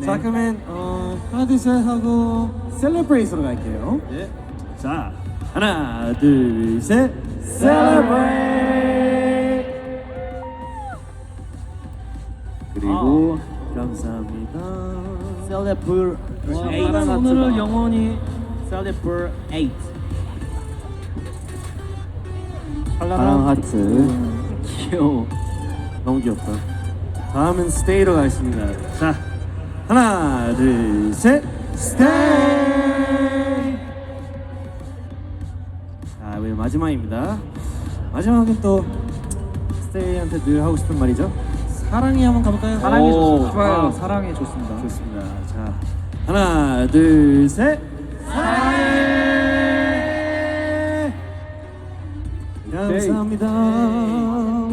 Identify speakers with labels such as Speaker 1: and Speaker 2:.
Speaker 1: 네.
Speaker 2: 자 그러면 하나 둘 셋 하고 셀러브레이트로 갈게요.
Speaker 1: 네. 자, 하나, 둘, 셋.
Speaker 2: 셀러브레이트.
Speaker 1: 그리고 감사합니다.
Speaker 3: 셀레블
Speaker 1: 사랑 오늘을 영원히
Speaker 3: 셀레블 8
Speaker 2: 파랑 하트.
Speaker 1: 귀여워. 너무 귀엽다.
Speaker 2: 다음은 스테이로 가겠습니다.
Speaker 1: 자, 하나, 둘, 셋.
Speaker 2: 스테이.
Speaker 1: 자, 우리 마지막입니다. 마지막은 또 스테이한테 늘 하고 싶은 말이죠. 사랑이 한번 가볼까요?
Speaker 3: 사랑이 좋습니다.
Speaker 1: 좋아요.
Speaker 3: 사랑이 좋습니다.
Speaker 1: 좋습니다. 자, 하나, 둘, 셋.
Speaker 2: 사랑해.
Speaker 1: 감사합니다.